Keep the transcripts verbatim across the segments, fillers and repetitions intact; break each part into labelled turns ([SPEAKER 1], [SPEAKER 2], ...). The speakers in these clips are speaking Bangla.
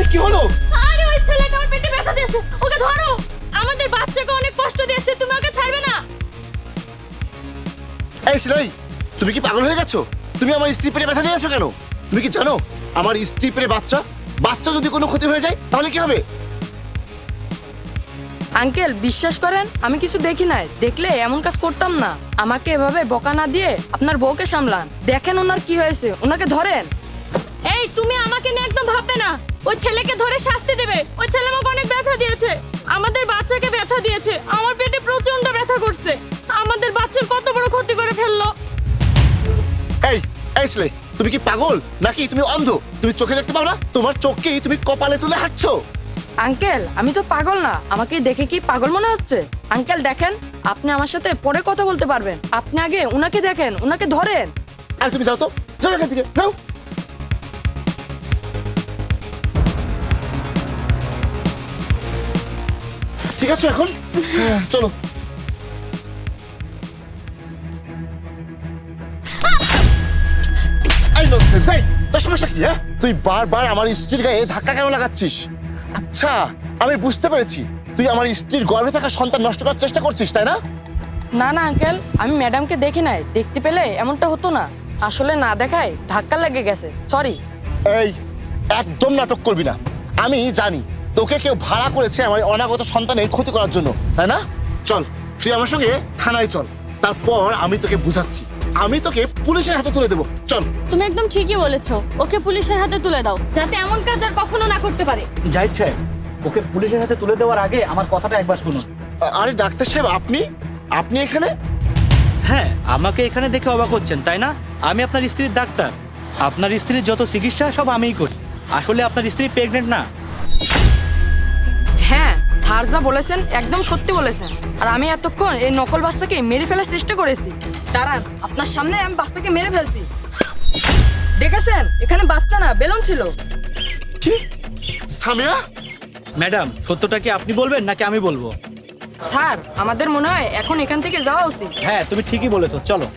[SPEAKER 1] কি হলো?
[SPEAKER 2] আরে ওই ছেলেটা আমার পেটে ব্যথা দিয়েছে, ওকে ধরো। আমাদের বাচ্চাকে অনেক কষ্ট দিয়েছে, তুমি ওকে ছাড়বে না।
[SPEAKER 1] এই ছেলে, তুমি কি পাগল হয়ে গেছো? তুমি আমার স্ত্রী পেটে ব্যথা দিয়েছো কেন? তুমি কি জানো আমার স্ত্রী পেটে বাচ্চা বাচ্চা যদি কোনো ক্ষতি হয়ে যায় তাহলে কি হবে?
[SPEAKER 3] আঙ্কেল বিশ্বাস করেন আমি কিছু দেখি নাই, দেখলে এমন কাজ করতাম না। আমাকে এভাবে বকা না দিয়ে আপনার বউকে সামলান। দেখেন ওনার কি হয়েছে, ওনাকে ধরেন।
[SPEAKER 2] এই তুমি আমাকে নিয়ে একদম ভাববে না। ওই ছেলেকে ধরে শাস্তি দেবে। ওই ছেলে আমাকে অনেক ব্যথা দিয়েছে, আমাদের বাচ্চাকে ব্যথা দিয়েছে, আমার পেটে প্রচন্ড ব্যথা করছে, আমাদের বাচ্চার কত বড় ক্ষতি করে ফেললো।
[SPEAKER 1] এই এই ছেলে, তুমি কি পাগল নাকি তুমি অন্ধ? তুমি চোখে দেখতে পাও না? তোমার চোখকে তুমি কপালে তুলে হাঁটছো।
[SPEAKER 3] আঙ্কেল আমি তো পাগল না, আমাকে দেখে কি পাগল মনে হচ্ছে? আঙ্কেল দেখেন, আপনি আমার সাথে পরে কথা বলতে পারবেন। আপনি আগে উনাকে দেখেন, উনাকে ধরেন।
[SPEAKER 1] আর তুমি যাও তো, যাও এখান থেকে, যাও। ঠিক আছে এখন হ্যাঁ, চলো। এই ননসেন্স, এই তোর সমস্যা কি? হ্যাঁ, তুই বারবার আমার স্ত্রীর গায়ে ধাক্কা কেন লাগাচ্ছিস? আচ্ছা আমি বুঝতে পেরেছি, তুই আমার স্ত্রীর গর্ভে থাকা সন্তান নষ্ট করার চেষ্টা করছিস, তাই না?
[SPEAKER 3] না না আঙ্কেল, আমি ম্যাডামকে দেখি নাই, দেখতে পেলে এমনটা হতো না। আসলে না দেখায় ধাক্কা লেগে গেছে, সরি।
[SPEAKER 1] এই একদম নাটক করবি না। আমি জানি তোকে কেউ ভাড়া করেছে আমার অনাগত সন্তানের ক্ষতি করার জন্য, তাই না? চল তুই আমার সঙ্গে থানায় চল, তারপর আমি তোকে বুঝাচ্ছি। আমি তোকে পুলিশের হাতে তুলে দেবো, চল।
[SPEAKER 2] তুমি একদম ঠিকই বলেছো, ওকে পুলিশের হাতে তুলে দাও, যাতে এমন কাজ আর কখনো না করতে পারে।
[SPEAKER 4] জাহিদ সাহেব, ওকে পুলিশের হাতে তুলে দেওয়ার আগে আমার কথাটা একবার শুনুন।
[SPEAKER 1] আ- আরে ডাক্তার সাহেব, আপনি আপনি এখানে?
[SPEAKER 4] হ্যাঁ, আমাকে এখানে দেখে অবাক হচ্ছেন তাই না? আমি আপনার স্ত্রীর ডাক্তার। আপনার স্ত্রীর যত চিকিৎসা সব আমিই করি। আসলে আপনার স্ত্রী প্রেগনেন্ট না।
[SPEAKER 3] হ্যাঁ, স্যার যা বলেছেন একদম সত্যি বলেছেন। আর আমি এতক্ষণ এই নকল বাচ্চাকে মেরে ফেলার চেষ্টা করেছি। দাঁড়ান, আপনার সামনে আমি বাচ্চাকে মেরে ফেলছি। দেখেছেন, এখানে বাচ্চা না, বেলুন ছিল।
[SPEAKER 1] কি সামিয়া?
[SPEAKER 4] ম্যাডাম, সত্যটা কি আপনি বলবেন নাকি আমি বলবো?
[SPEAKER 3] স্যার আমাদের মনে হয় এখন এখান থেকে যাওয়া উচিত।
[SPEAKER 4] হ্যাঁ, তুমি ঠিকই বলেছো, চলো।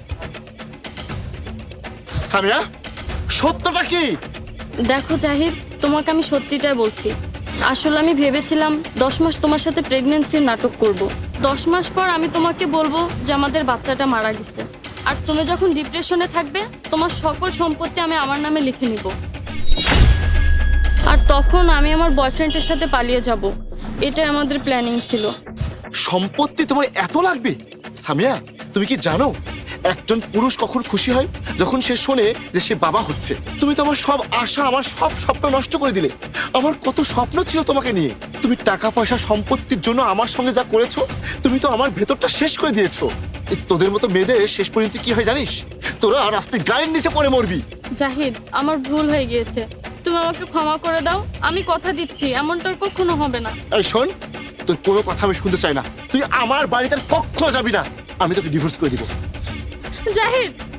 [SPEAKER 1] সামিয়া, সত্যটা কি?
[SPEAKER 2] দেখো জাহিদ, তোমাকে আমি সত্যিটাই বলছি। আসলে আমি ভেবেছিলাম দশ মাস তোমার সাথে প্রেগনেন্সির নাটক করব। দশ মাস পর আমি তোমাকে বলবো যে আমাদের বাচ্চাটা মারা গেছে, আর তুমি যখন ডিপ্রেশনে থাকবে তোমার সকল সম্পত্তি আমি আমার নামে লিখে নিব, আর তখন আমি আমার বয়ফ্রেন্ডের সাথে পালিয়ে যাব। এটাই আমাদের প্ল্যানিং ছিল।
[SPEAKER 1] সম্পত্তি তোমার এত লাগবে? সামিয়া, তুমি কি জানো একজন পুরুষ কখন খুশি হয়? যখন সে শোনে যে সে বাবা হচ্ছে। তুমি তো আমার সব আশা, আমার সব স্বপ্ন নষ্ট করে দিলে। আমার কত স্বপ্ন ছিল তোমাকে নিয়ে। তুমি টাকা পয়সা সম্পত্তির জন্য আমার সঙ্গে যা করেছো, তুমি তো আমার ভেতরটা শেষ করে দিয়েছো। এই তোদের মতো মেয়েদের শেষ পর্যন্ত কি হয় জানিস? তোরা রাস্তায় গায়ের নিচে পড়ে মরবি।
[SPEAKER 2] জাহিদ, আমার ভুল হয়ে গিয়েছে, তুমি আমাকে ক্ষমা করে দাও। আমি কথা দিচ্ছি এমনটা আর কখনো হবে না।
[SPEAKER 1] এই শোন, তোর কোনো কথা আমি শুনতে চাই না। তুই আমার বাড়িতে আর কখনো যাবি না। আমি তোকে ডিভোর্স করে দিব।
[SPEAKER 2] জাহিদ,